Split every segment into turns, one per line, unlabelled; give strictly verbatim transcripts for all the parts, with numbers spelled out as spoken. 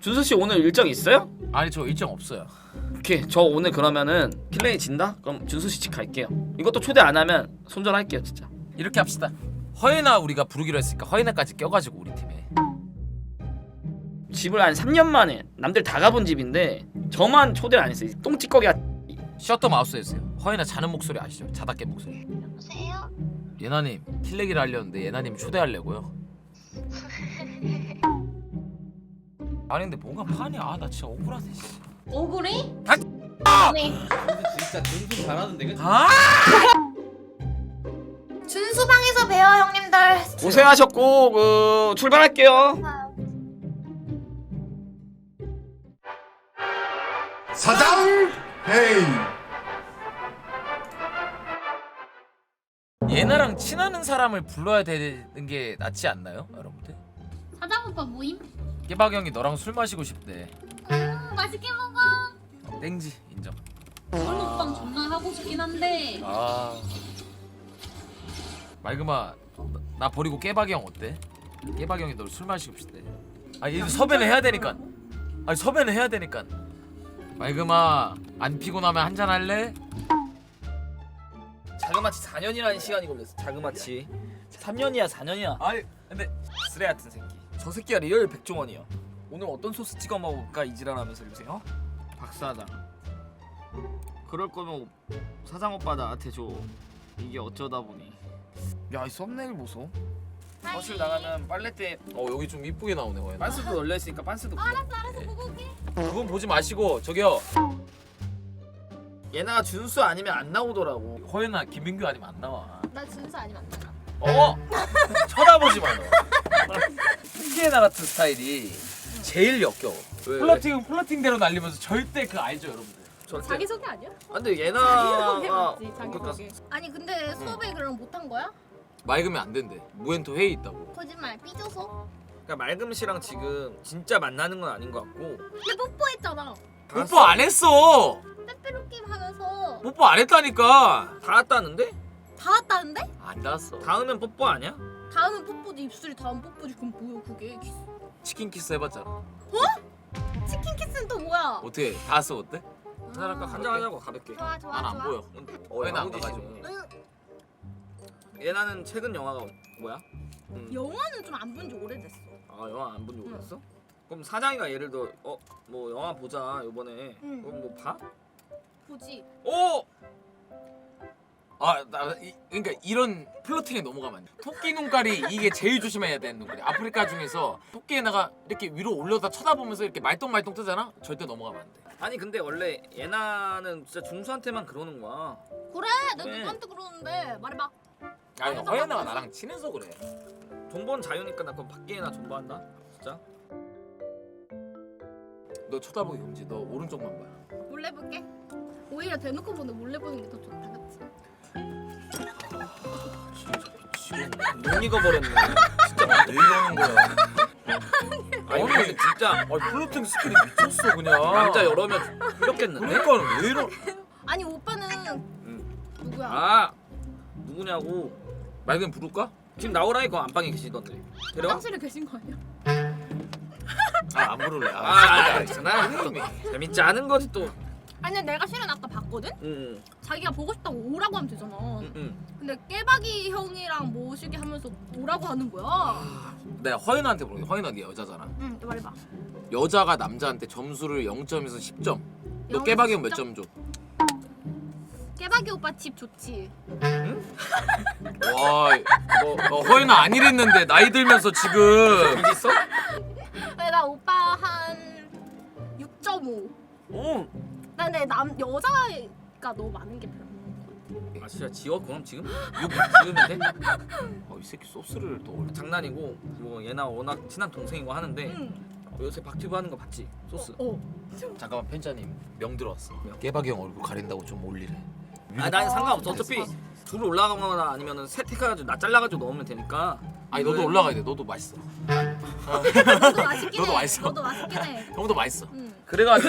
준수 씨 오늘 일정 있어요?
아니 저 일정 없어요.
오케이 저 오늘 그러면은 킬레이 진다? 그럼 준수 씨 집 갈게요. 이것도 초대 안 하면 손절할게요 진짜.
이렇게 합시다. 허예나 우리가 부르기로 했으니까 허예나까지 껴가지고 우리 팀에.
집을 한 삼 년 만에 남들 다 가본 집인데 저만 초대를 안 했어요. 똥찌꺼기가.
셔터 마우스 해주세요. 허예나 자는 목소리 아시죠? 자다 깬 목소리.
여보세요?
예나님 킬레기를 하려는데 예나님 초대하려고요. 아니 근데 뭔가 판이 아 나 진짜 억울하네.
억울해?
아!
네.
진짜 준수 잘하는데 그치?
아!
준수방에서 봬요 형님들.
고생하셨고 그 출발할게요.
사장 헤이.
예나랑 친하는 사람을 불러야 되는 게 낫지 않나요, 여러분들?
사장 오빠 모임?
깨박 형이 너랑 술 마시고 싶대.
음, 맛있게 먹어.
땡지 인정.
얼룩빵 존나 하고 싶긴 한데
아 말그마 나, 나 버리고 깨박이 형 어때? 깨박이 형이 널 술 마시고 싶대. 아 이제 섭외는 해야 되니까. 아니 섭외는 해야 되니까. 말그마 안 피곤하면 한잔 할래?
자그마치 사 년이라는 시간이 걸렸어. 자그마치 삼 년이야 사 년이야.
아니 근데
쓰레 같은 새끼. 저 새끼가 리얼 백종원이야. 오늘 어떤 소스 찍어 먹을까 이지랄하면서 요새 어? 박 사장. 그럴 거면 사장 오빠 나한테 줘. 이게 어쩌다 보니. 야 이 썸네일 보소. 거실 나가면 빨래대
어 여기 좀 이쁘게 나오네 허연.
빤스도 열려 있으니까 빤스도.
알았어 알았어 보고 올게.
그건 보지 마시고 저기요
얘나가 준수 아니면 안 나오더라고.
허연아 김민규 아니면 안 나와.
나 준수 아니면 안 나가.
어 쳐다보지 마 너. 승계나 같은 스타일이 제일 역겨워.
왜,
플러팅은 플러팅대로 날리면서 절대 그 알죠 여러분들.
절대.
자기소개 아니야?
아, 근데
자기소개
얘나가
맞지
그러니까
자기소개. 아니 근데 수업에 그럼 못한 거야?
맑으면 안 된대. 무엔토 회의 있다고.
거짓말 삐져서?
그러니까 맑음 씨랑 지금 진짜 만나는 건 아닌 것 같고.
근데 뽀뽀했잖아.
뽀뽀 안 했어.
빼빼로낌 하면서
뽀뽀 안 했다니까.
다 왔다는데?
다 왔다는데?
안 닿았어.
다음엔 뽀뽀 아니야?
다음은 뽀뽀지 입술이 다음 뽀뽀지 그럼 뭐야 그게? 키스.
치킨 키스 해봤잖아.
치킨 키스는 또 뭐야?
어떻게 닿았어 어때?
한잔 할까? 한잔 하자고 가볍게.
좋아 좋아
난 안
좋아.
보여.
어,
얘는 안
야무지시네.
가가지고.
얘나는 최근 영화가 뭐야? 음.
영화는 좀 안 본 지 오래됐어.
아 영화 안 본 지 오래됐어? 그럼 사장이가 예를 들어 어 뭐 영화 보자 요번에.
응.
그럼 뭐 봐?
보지.
오!
아나 그러니까 이런 플러팅에 넘어가면 안 돼. 토끼 눈깔이 이게 제일 조심해야 되는 눈깔이. 아프리카 중에서 토끼에다가 이렇게 위로 올려다 쳐다보면서 이렇게 말똥말똥 뜨잖아. 절대 넘어가면 안 돼.
아니 근데 원래 예나는 진짜 중수한테만 그러는 거야.
그래 내가
네.
누구한테 그러는데 말해봐.
아니 허연아가 나랑 친해서 그래.
존버는 자유니까 나 그럼 밖에나 존버한다. 진짜.
너 쳐다보기 금지. 너 오른쪽만 봐.
몰래 볼게. 오히려 대놓고 보는 몰래 보는 게 더 좋다, 그렇지?
진짜 미치겠네.
못 익어버렸네. 진짜 막
왜 이러는 거야?
아니 근데 진짜
아니 플러팅 스킬이 미쳤어 그냥.
남자 여러 명 이렇겠는데?
그러니까 왜 이러?
아니 오빠는
응.
누구야?
아 누구냐고.
맑은 부를까?
지금 나오라니까 안방에 계시던데. 데려와?
화장실에 계신 거 아니야?
아 안 부를래.
아, 아, 알잖아.
선생님이.
재밌지 않은 거지 또.
아니 내가 실은 아까 봤거든?
응,
자기가 보고 싶다고 오라고 하면 되잖아.
응, 응.
근데 깨박이 형이랑 모시게 하면서 오라고 하는 거야.
내가 허연아한테 물어볼게. 허연아 네 여자잖아.
응, 말해봐.
여자가 남자한테 점수를 영 점에서 십 점. 너
영에서
깨박이 형 몇
십 점?
점 줘?
깨박이 오빠 집 좋지?
와, 너, 너 허연아 안 이랬는데 나이 들면서 지금.
여기 있어?
근데 나 오빠 한 육 점 오.
응.
나 근데 남 여자가 너무 많은 게 별로.
아 진짜 지워? 그럼 지금? 육 지우면 돼?
어, 이 새끼 소스를 또 올려.
장난이고 뭐 얘나 워낙 친한 동생이고 하는데
응.
요새 박튜브 하는 거 봤지? 소스.
어.
잠깐만 편자님 명 들어왔어. 깨박이 형 얼굴 가린다고 좀 올리래.
아 난 상관없어. 어차피 둘 올라가거나 아니면은 세택해가지고 나 잘라가지고 넣으면 되니까.
아니 너도 올라가야 돼. 너도 맛있어.
너도 맛있긴
너도
해.
맛있어.
너도 맛있긴 해.
형도 맛있어.
응.
그래가지고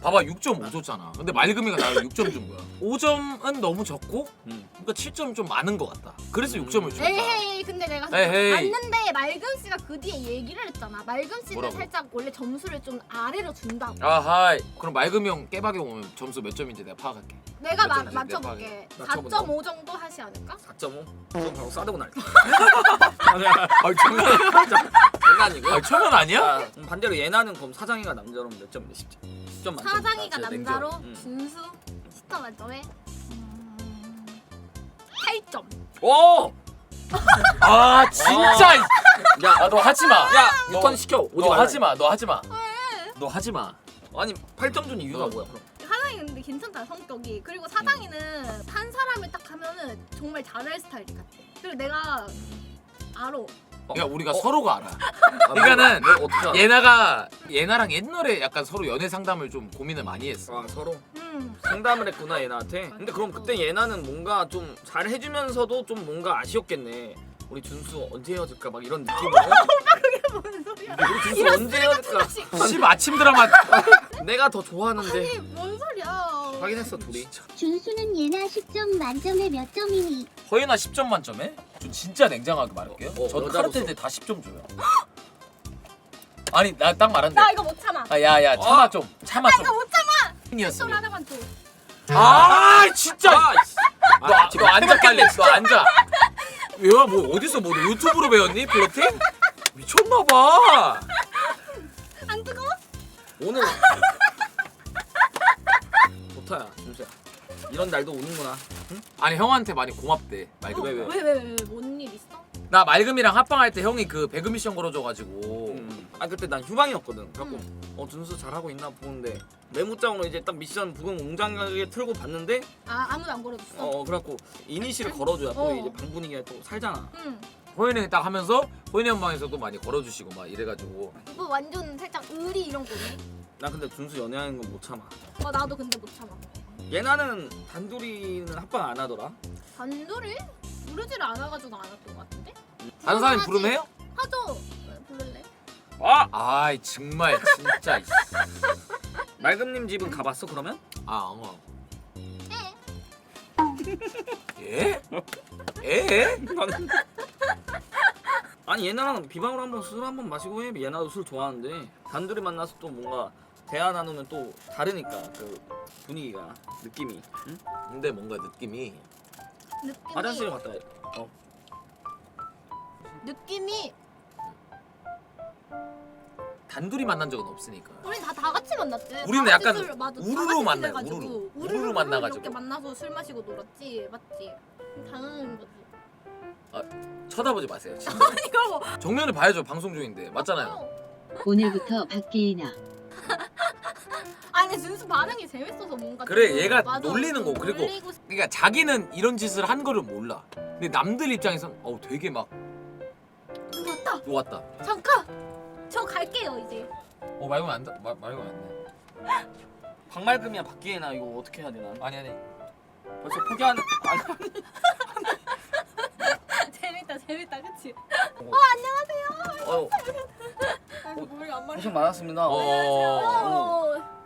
봐봐 육 점 오 줬잖아. 근데 맑음이가 나를 육 점 준 거야. 오 점은 너무 적고
음.
그러니까 칠 점 좀 많은 것 같다. 그래서 육 점을 준 거야.
에헤이 근데 내가
에헤이.
봤는데 맑은 씨가 그 뒤에 얘기를 했잖아. 맑은 씨는
뭐라고?
살짝 원래 점수를 좀 아래로 준다고.
아하이. 그럼 맑음이 형 깨박이 형 오면 점수 몇 점인지 내가 파악할게.
내가
몇
마,
점인지
맞춰볼게.
내가
사
맞춰본다.
점 오 정도 하시 않을까?
사 점 오? 그럼 바로 싸대고 날게.
아 장난
장난이고.
아 천원 아니야?
자, 그럼 반대로 예나는 그럼 사장이가 남자로 몇 점인데 십 점. 십 점 만점.
사장이가
아, 진짜
남자로
냉정. 음.
준수 스타 만점에 음, 팔 점.
오!
아 진짜.
야,
아 너 하지 마.
야,
너-
육 턴 시켜. 오지
너
말라.
하지 마. 너 하지 마. 너 하지 마.
아니, 팔 점 준 이유가
어.
뭐야, 그럼?
사장이 근데 괜찮다 성격이. 그리고 사장이는 한 사람을 딱 하면은 정말 잘할 스타일 같아. 그리고 내가 알아.
그러니까 우리가
어?
서로가 알아.
아,
그러니까는
뭐, 뭐 어떻게 알아?
예나가 예나랑 옛날에 약간 서로 연애 상담을 좀 고민을 많이 했어.
아, 서로
음.
상담을 했구나, 예나한테. 근데 그럼 그때 예나는 뭔가 좀 잘 해주면서도 좀 뭔가 아쉬웠겠네. 우리 준수 언제 헤어질까 막 이런 느낌으로.
뭔 소리야?
우리 준수
이런
언제 헤어질까?
십 아침 드라마.
내가 더 좋아하는데.
아니 뭔 소리야?
확인했어, 둘이.
준수는 예나 십 점 만점에 몇 점이니?
허예나 십 점 만점에? 저 진짜 냉정하게 말할게요.
어, 어,
저
여자로서.
카르텔 때 다 십 점 줘요. 아니 나 딱 말한대.
나 이거 못 참아.
아 야야 참아 좀 참아
나
좀.
이거 못 참아.
이었어.
술 하나만 줘.
아 진짜.
아, 씨.
너, 아, 너 앉아 빨리. 너 앉아. 얘가 뭐 어디서 뭐 유튜브로 배웠니 플러팅? 미쳤나봐.
안 뜨거워?
오늘 좋다야, 준수야. 이런 날도 오는구나.
아니 형한테 많이 고맙대. 맑음.
왜, 왜?
왜왜왜뭔일 있어?
나 맑음이랑 합방할 때 형이 그 배그 미션 걸어줘가지고.
음. 아 그때 난 휴방이었거든. 그래갖고
음.
어 준수 잘하고 있나 보는데 메모장으로 이제 딱 미션 부금 웅장하게 틀고 봤는데
아 아무도 안 걸어줬어.
어 그래갖고 이니시를 걸어줘야 또
어.
이제 방 분위기가 또 살잖아.
응.
호연이 딱 하면서 호연이 형 방에서도 많이 걸어주시고 막 이래가지고.
이거 완전 살짝 의리 이런 거네.
나 근데 준수 연애하는 건 못 참아.
어 나도 근데 못 참아.
얘나는 단둘이는 합방 안 하더라.
단둘이 부르지를 않아가지고 안 했던 것 같은데?
다른 사람이
하지.
부르면 해요?
하죠. 네, 부를래?
아
아이 정말 진짜. 이씨.
맑음님 집은 가봤어 그러면?
아 엉어. 예? 예?
아니 얘나랑 비방으로 한번 술 한번 마시고 해. 얘나도 술 좋아하는데 단둘이 만나서 또 뭔가 대화 나누면 또 다르니까 그 분위기가 느낌이. 응?
근데 뭔가 느낌이
느낌이
화장실 갔다 와. 어.
느낌이
단둘이 만난 적은 없으니까.
우린 다 다 같이 만났지.
우리는
다 같이
약간
술, 맞아, 다
우르르
같이
만나요,
지내가지고.
우르르.
우르르
우르르 만나가지고.
이렇게 만나서 술 마시고 놀았지, 맞지? 당연한 거지.
쳐다보지 마세요. 진짜.
이거 뭐?
정면을 봐야죠. 방송 중인데 맞잖아요.
어.
오늘부터 박계인아.
아니 준수 반응이 재밌어서 뭔가.
그래,
좀-
얘가
맞아,
놀리는
좀
거. 그리고
놀리고 싶-
그러니까 자기는 이런 짓을 한 거를 몰라. 근데 남들 입장에선 어우 되게 막
누구 왔다.
좋았다.
잠깐. 저 갈게요 이제.
어 말고 안 다, 말 말고 안 돼.
박맑음이야 박기애나 이거 어떻게 해야 되나?
아니 아니.
벌써 포기하는. 아니,
재밌다 재밌다 그치?
어,
어 안녕하세요.
어,
아, 머리가 안 말려.
고생 많았습니다.
어.
어.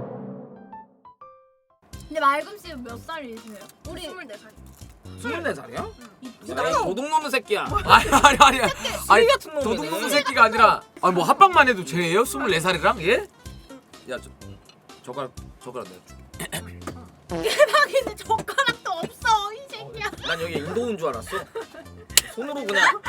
근데 맑음 씨 몇 살이세요? 우리 스물네 살.
스물네 살이야?
이쁘다.
야, 도둑놈의 새끼야.
아니 아니 아니. 아니
같은 놈이네.
도둑놈 새끼가 아니라 아니 뭐 합방만 해도 쟤예요? 스물네 살이랑 예? 야저 젓가락 젓가락 내가 줄게.
대박인데 젓가락도 없어 이 새끼야.
난 여기 인도인 줄 알았어. 손으로 그냥.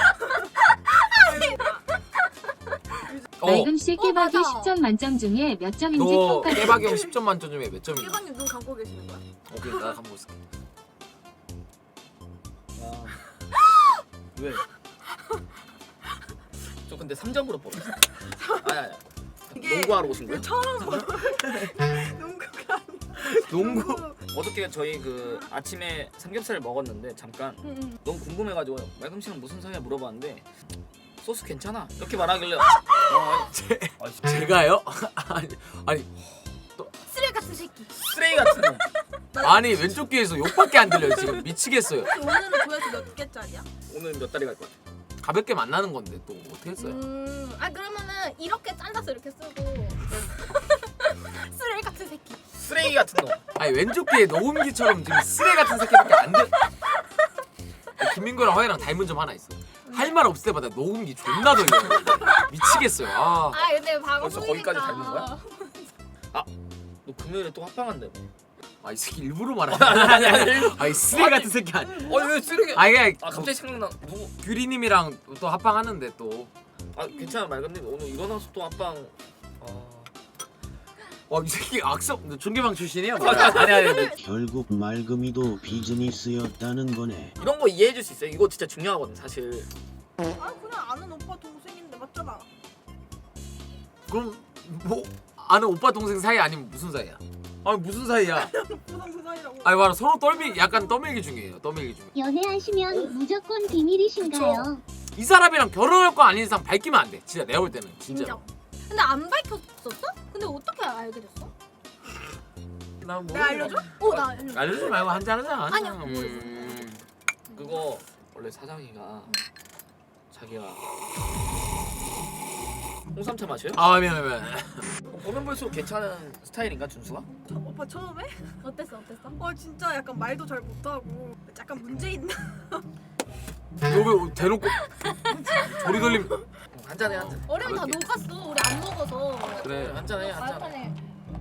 어.
맑음 씨 깨박이
맞아.
십 점 만점 중에 몇 점인지
너
평가.
깨박이 형 십 점 만점 중에 몇 점이야?
일반님 눈 감고 계시는 거야?
오케이 나 한번 볼게.
야. 왜? 저 근데 삼 점으로 뽑았어. 아니 아니. 농구하러 오신 거예요?
농구가.
농구.
어저께 저희 그 아침에 삼겹살을 먹었는데 잠깐
응.
너무 궁금해가지고 맑음 씨랑 무슨 사이야 물어봤는데 소스 괜찮아 이렇게 말하길래 어,
제, 제가요? 아니 아니
쓰레기 같은 새끼.
쓰레기 같은 놈.
아니 왼쪽 귀에서 욕밖에 안 들려요 지금 미치겠어요.
오늘은 조회수 몇 개짜리야?
오늘 몇 달이 갈 거야?
가볍게 만나는 건데 또 어떻게 했어요?
음. 아 그러면은 이렇게 잘라서 이렇게 쓰고 쓰레기 같은 새끼.
같은 놈.
아니 왼쪽 귀에 녹음기처럼 지금 쓰레 같은 새끼밖에 안 들. 김민구랑 허이랑 닮은 점 하나 있어. 할 말 없을 때마다 녹음기 존나 돌려. 미치겠어요. 아.
아 근데
벌써
방송이니까.
거기까지 닮은 거야? 너 금요일에 또 합방한대.
아이 새끼 일부러 말하는
아니 아니 아니.
아이 쓰레 같은 새끼 아니.
아니 왜 쓰레기?
아이 그냥
아 갑자기 생각나. 누구?
규리님이랑 또 합방하는데 또.
아 괜찮아 말건님 오늘 일어나서 또 합방. 아...
와이 새끼 악성 중계방 출신이야? 뭐. 아니 아니 아니.
결국 맑음이도 비즈니스였다는 거네.
이런 거 이해해줄 수 있어요. 이거 진짜 중요하거든 사실.
아 그냥 아는 오빠 동생인데 맞잖아.
그럼 뭐 아는 오빠 동생 사이 아니면 무슨 사이야? 아니 무슨 사이야?
부상 사이라고.
아니 봐라 서로 떨미 약간 떠밀기 중이에요. 떠밀기 중.
연애하시면 무조건 비밀이신가요?
이 사람이랑 결혼할 거 아닌 이상 밝히면 안 돼. 진짜 내가 볼 때는 진짜.
인정. 근데 안 밝혔었어? 근데 어떻게 알게 됐어?
나 뭐.
내가 알려줘? 어, 나 알려줘.
알려주지 말고 한잔 하자.
아니야,
음.
그거 원래 사장이가 자기가 홍삼차 마셔요?
아 미안 미안.
보면 볼수록 괜찮은 스타일인가 준수가?
오빠 처음에? 어땠어 어땠어? 어 진짜 약간 말도 잘 못하고 약간 문제 있나?
너왜 대놓고 조리 돌림.
한 잔해 한 잔.
어려면 다
가볍게.
녹았어. 우리 안 먹어서.
그래.
한 잔해 한 잔.
말판에.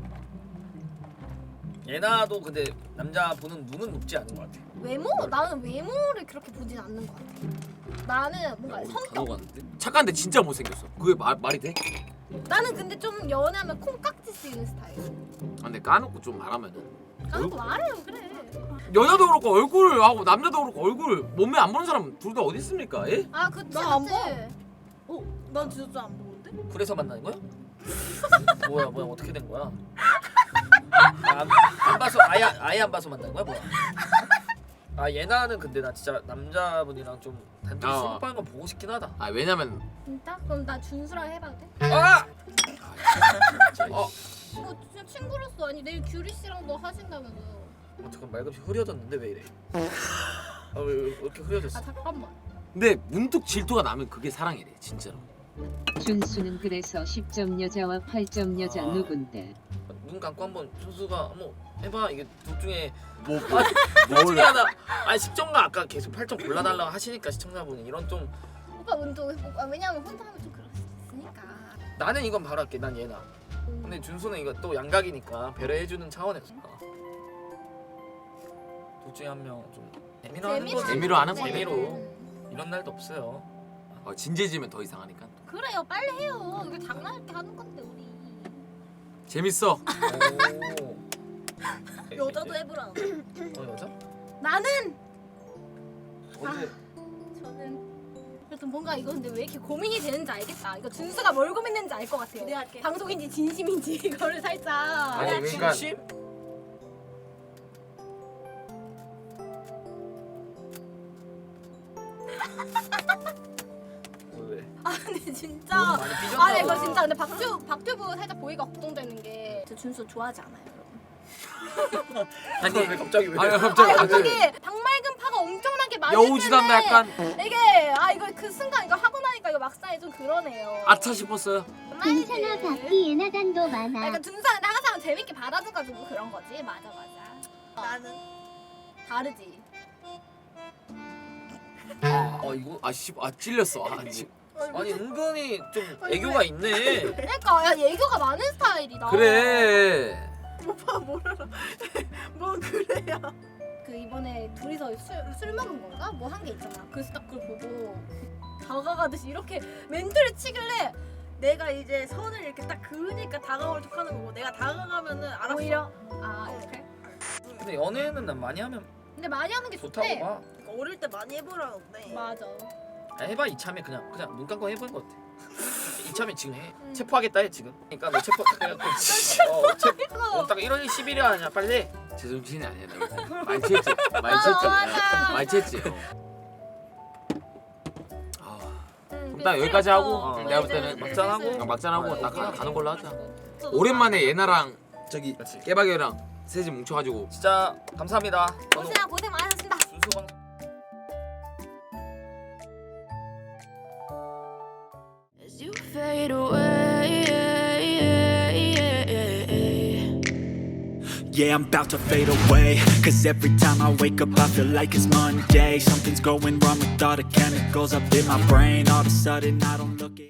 예나도 근데 남자 보는 눈은 높지 않은 것 같아.
외모? 나는 외모를 그렇게 보진 않는 것 같아. 나는 뭔가 성격.
착한데 진짜 못생겼어. 그게 말 말이 돼?
나는 근데 좀 연애하면 콩깍지 쓰이는 스타일.
아, 근데 까놓고 좀 말하면은.
나도 말해요 그래.
여자도 그렇고 얼굴 하고 남자도 그렇고 얼굴 몸매 안 보는 사람 둘 다 어디 있습니까? 예?
아 그치
나안
그치. 어? 난 진짜 안 보는데?
그래서 만나는 거야? 뭐야 뭐야 어떻게 된 거야? 안, 안 봐서 아예 아예 안 봐서 만난 거야 뭐야? 아 예나는 근데 나 진짜 남자분이랑 좀 단둘이
어.
술 먹는 거 보고 싶긴 하다.
아 왜냐면
진짜? 그럼 나 준수랑 해봐도 돼?
아!
진짜
어.
이거 진짜 친구로서 아니 내일 규리 씨랑도 하신다면서.
어떻게 말금이 흐려졌는데 왜 이래? 아왜 왜 이렇게 흐려졌어?
아 잠깐만.
근데 문득 질투가 나면 그게 사랑이래 진짜로.
준수는 그래서 십 점 여자와 팔 점 여자
아.
누군데?
눈 감고 한번 준수가 한번 해봐. 이게 둘 중에
뭐
아, 둘 중에 하나. 아니 십 점과 아까 계속 팔 점 골라달라고 하시니까 시청자분이 이런 좀
오빠 운동 아, 왜냐면 혼자 하면 좀 그럴 수 있으니까.
나는 이건 바로 할게. 난 예나. 근데 준수는 이거 또 양각이니까 배려해주는 차원에서 둘 중에 한 명 좀 재미로 하는
재미로
거지.
재미로 하는 거지.
재미로 이런 날도 없어요.
어, 진지해지면 더 이상하니까.
그래요 빨리 해요. 이거 장난할 때 하는 건데 우리.
재밌어.
오.
여자도 해보라.
어 여자?
나는
언제?
저는 그래도 뭔가 이거 근데 왜 이렇게 고민이 되는지 알겠다. 이거 준수가 뭘 고민했는지 알 것 같아요. 네, 할게. 방송인지 진심인지 이거를 살짝.
아니, 그러니까-
진심? 왜?
아 근데 진짜.
너무 많이 삐졌나
아니 이거
봐.
진짜 근데 박튜 박튜브 살짝 보기가 걱정되는 게 저 준수 좋아하지 않아요, 여러분.
아니 왜 갑자기 왜?
아니
아니
갑자기
갑자기 박맑은 파가 엄청나게 많이
여우지단다 약간
이게 아 이거 그 순간 이거 하고 나니까 이거 막상에 좀 그러네요.
아차 싶었어요.
괜찮아 밖이 예나단도
아,
많아.
그러니까 준수한테 항상 재밌게 받아줘가지고 그런 거지. 맞아 맞아. 나는 다르지.
아 이거
아씨 아 찔렸어. 아, 지,
아니 은근히 좀 애교가 있네.
그러니까 야 애교가 많은 스타일이다.
그래.
오빠 뭐라? 뭐 그래요? 그 이번에 둘이서 술, 술 먹은 건가? 뭐 한 게 있잖아. 그래서 딱 그걸 보고 다가가듯이 이렇게 멘트를 치길래
내가 이제 선을 이렇게 딱 그으니까 다가올 척하는 거고 내가 다가가면은 알았어.
오히려 아 이렇게.
근데 연애는 난 많이 하면
근데 많이 하는 게
좋다고
좋대.
봐.
그러니까 어릴 때 많이 해보라는데.
맞아.
아, 해봐 이참에 그냥 그냥 눈 감고 해보는 거 어때? 이참에 지금 해.
음.
체포하겠다 해 지금. 그러니까 너 체포 딱 해갖고 어, 체, 어, 딱 일월 십일일 아니야 빨리.
제정신이 아니야 나. 많이 취했지. 많이
어,
취했지.
맞아.
많이 취했지. 아,
음,
그럼 딱 여기까지 하고
어,
내가 볼
이제
때는
막장하고
슬슬.
그냥 막잔하고
아,
딱
오케이.
가는 걸로 하자. 오랜만에 예나랑 저기
그렇지.
깨박이랑 셋이 뭉쳐가지고
진짜 감사합니다. 저는
고생 고생 많으셨습니다.
준수 방.
As you fade away,
yeah, I'm about to fade away. Cause every time I wake up I feel like it's Monday. Something's going wrong with all the chemicals up in my brain. All of a sudden I don't look at